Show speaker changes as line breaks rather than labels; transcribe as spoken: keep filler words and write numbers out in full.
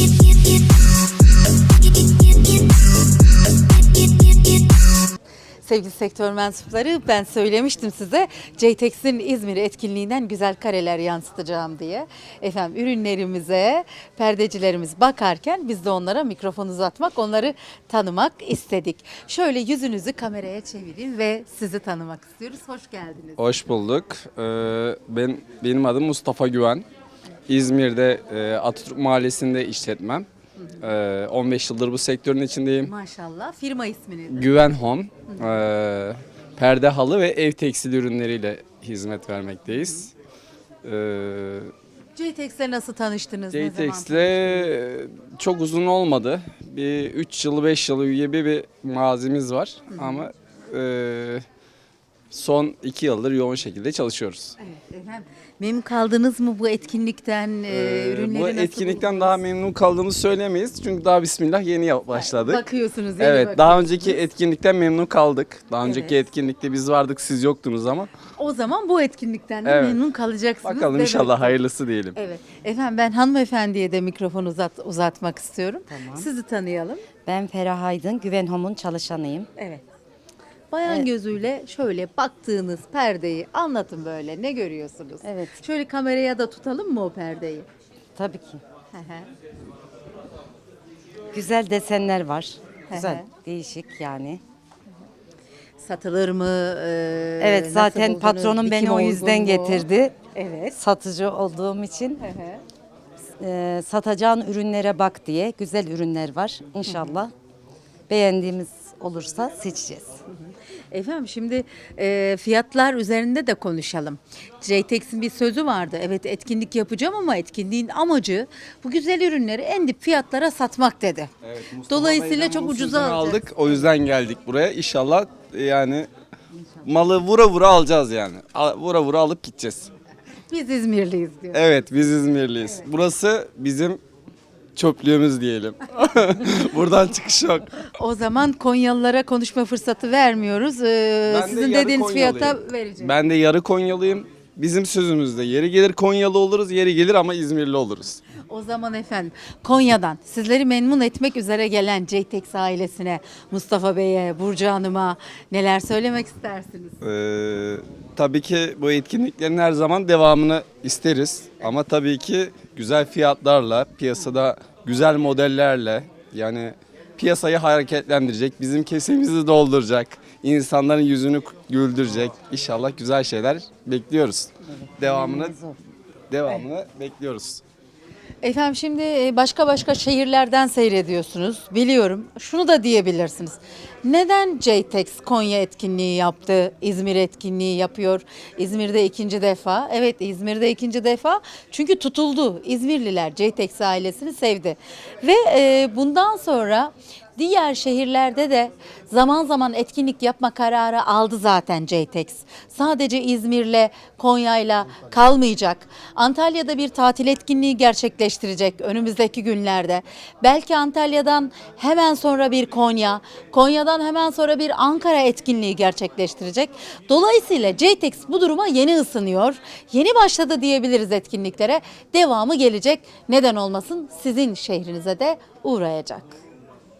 Sevgili sektör mensupları, ben söylemiştim size Ceytex'in İzmir etkinliğinden güzel kareler yansıtacağım diye. Efendim ürünlerimize perdecilerimiz bakarken biz de onlara mikrofon uzatmak, onları tanımak istedik. Şöyle yüzünüzü kameraya çevirin ve sizi tanımak istiyoruz. Hoş geldiniz.
Hoş bulduk. Ee, ben benim adım Mustafa Güven. İzmir'de e, Atatürk Mahallesi'nde işletmem. Ee, on beş yıldır bu sektörün içindeyim.
Maşallah. Firma ismi nedir?
Güven Home, e, perde, halı ve ev tekstil ürünleriyle hizmet vermekteyiz. Ee,
Ceytex'le nasıl tanıştınız? Ne zaman
Ceytex'le çok uzun olmadı. Bir üç yıl beş yıl gibi bir mazimiz var. Ama e, son iki yıldır yoğun şekilde çalışıyoruz.
Evet, efendim. Memnun kaldınız mı bu etkinlikten? E,
Ee,
ürünleri
bu
nasıl
etkinlikten
buldunuz?
daha memnun kaldığımızı söylemeyiz. Çünkü daha bismillah yeni yap- başladık.
Bakıyorsunuz. yeni
Evet, daha
bakıyorsunuz.
önceki etkinlikten memnun kaldık. Daha önceki
Evet.
etkinlikte biz vardık, siz yoktunuz ama.
O zaman bu etkinlikten de
Evet.
memnun kalacaksınız.
Bakalım
demek
inşallah
ki.
hayırlısı diyelim.
Evet. Efendim ben hanımefendiye de mikrofon uzat, uzatmak istiyorum.
Tamam.
Sizi tanıyalım.
Ben Ferah Aydın, Güven Home'un çalışanıyım.
Evet. Bayan
Evet.
gözüyle şöyle baktığınız perdeyi anlatın böyle. Ne görüyorsunuz?
Evet.
Şöyle kameraya da tutalım mı o perdeyi?
Tabii ki.
Hı hı.
Güzel desenler var.
Hı
Güzel,
hı.
değişik yani.
Satılır mı? Ee,
Evet,
nasıl
zaten
buldunuz?
patronum beni
Dikim
o
uygun
yüzden
mu?
getirdi.
Evet.
Satıcı olduğum için
Hı hı.
e, satacağın ürünlere bak diye güzel ürünler var. İnşallah beğendiğimiz olursa seçeceğiz.
Efendim şimdi e, fiyatlar üzerinde de konuşalım. Ceytex'in bir sözü vardı. Evet etkinlik yapacağım ama etkinliğin amacı bu güzel ürünleri en dip fiyatlara satmak dedi.
Evet, Mustafa
Dolayısıyla
Bey'den
çok
bu
ucuza
sözünü
alacağız.
aldık. O yüzden geldik buraya. İnşallah e, yani malı vura vura alacağız yani. A- Vura vura alıp gideceğiz.
Biz İzmirliyiz diyor.
Evet, biz İzmirliyiz. Burası bizim çöplüğümüz diyelim. Buradan çıkış yok.
O zaman Konyalılara konuşma fırsatı vermiyoruz. Ee,
Ben de
sizin
yarı
dediğiniz
Konyalıyım.
fiyata vereceğiz.
Ben de yarı Konyalıyım. Bizim sözümüzde yeri gelir Konyalı oluruz, yeri gelir ama İzmirli oluruz.
O zaman efendim Konya'dan sizleri memnun etmek üzere gelen Ceytex ailesine, Mustafa Bey'e, Burcu Hanım'a neler söylemek istersiniz?
Ee, tabii ki bu etkinliklerin her zaman devamını isteriz. Ama tabii ki güzel fiyatlarla, piyasada güzel modellerle, yani piyasayı hareketlendirecek, bizim kesemizi dolduracak, insanların yüzünü güldürecek. İnşallah güzel şeyler bekliyoruz. Devamını devamını bekliyoruz.
Efendim şimdi e, başka başka şehirlerden seyrediyorsunuz. Biliyorum. Şunu da diyebilirsiniz. Neden Ceytex Konya etkinliği yaptı? İzmir etkinliği yapıyor. İzmir'de ikinci defa. Evet İzmir'de ikinci defa. Çünkü tutuldu. İzmirliler Ceytex ailesini sevdi. Ve e, bundan sonra diğer şehirlerde de zaman zaman etkinlik yapma kararı aldı zaten Ceytex. Sadece İzmir'le, Konya'yla kalmayacak. Antalya'da bir tatil etkinliği gerçekleştirecek önümüzdeki günlerde. Belki Antalya'dan hemen sonra bir Konya, Konya'dan hemen sonra bir Ankara etkinliği gerçekleştirecek. Dolayısıyla Ceytex bu duruma yeni ısınıyor. Yeni başladı diyebiliriz etkinliklere. Devamı gelecek. Neden olmasın? Sizin şehrinize de uğrayacak.